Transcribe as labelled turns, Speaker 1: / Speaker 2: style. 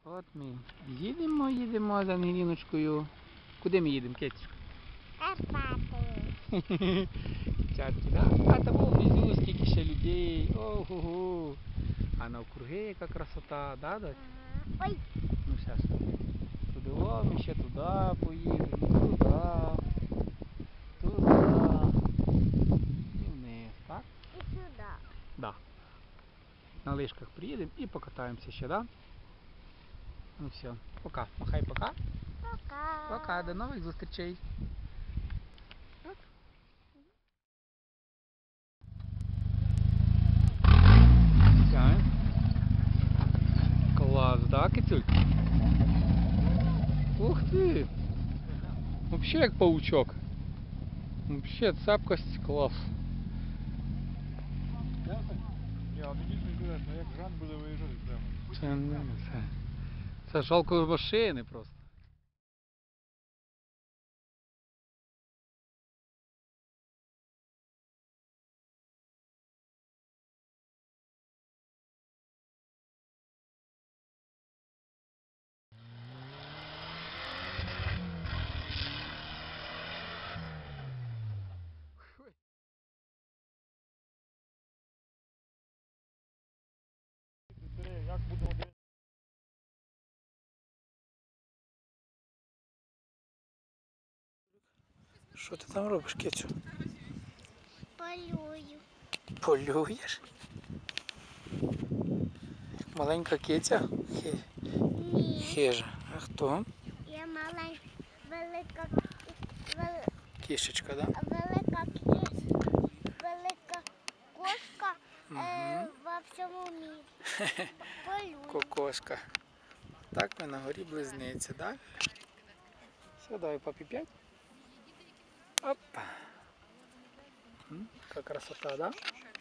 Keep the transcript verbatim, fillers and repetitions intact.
Speaker 1: От ми їдемо, їдемо з Ангеліночкою. Куди ми їдемо, Кетечка?
Speaker 2: Карпати.
Speaker 1: Чатки, да? А там внизу скільки ще людей. Ого-го. А навкруги яка красота, да, Дось?
Speaker 2: Ага. Ой.
Speaker 1: Ну зараз. Туди, о, ми ще туди поїдемо, туди, туди. І вниз, так?
Speaker 2: І сюди.
Speaker 1: Да. На лижках приїдемо і покатаємося ще, да? Ну все, пока. Махай, пока.
Speaker 2: Пока.
Speaker 1: Пока, до нових зустрічей. Класс, да, Кицюль? Ух ты! Вообще як паучок. Вообще цепкость клас.
Speaker 3: Ні, а мені ж інтересно, як Жан буде виїжджати прямо.
Speaker 1: Це не це. Це жалко машини просто.
Speaker 3: Як буде один?
Speaker 1: Що ти там робиш, Кицю?
Speaker 2: Полюю.
Speaker 1: Полюєш? Маленька киця? Хи...
Speaker 2: Ні.
Speaker 1: Хижа. А хто?
Speaker 2: Я маленька, велика, вел,
Speaker 1: Кішечка, да?
Speaker 2: велика кіс, велика кошка е,
Speaker 1: Угу.
Speaker 2: во всьому мірі. Полюю.
Speaker 1: Кокошка. Так ми на горі близнеці, так? Все, давай папі п'ять. Опа. М, яка красота, да?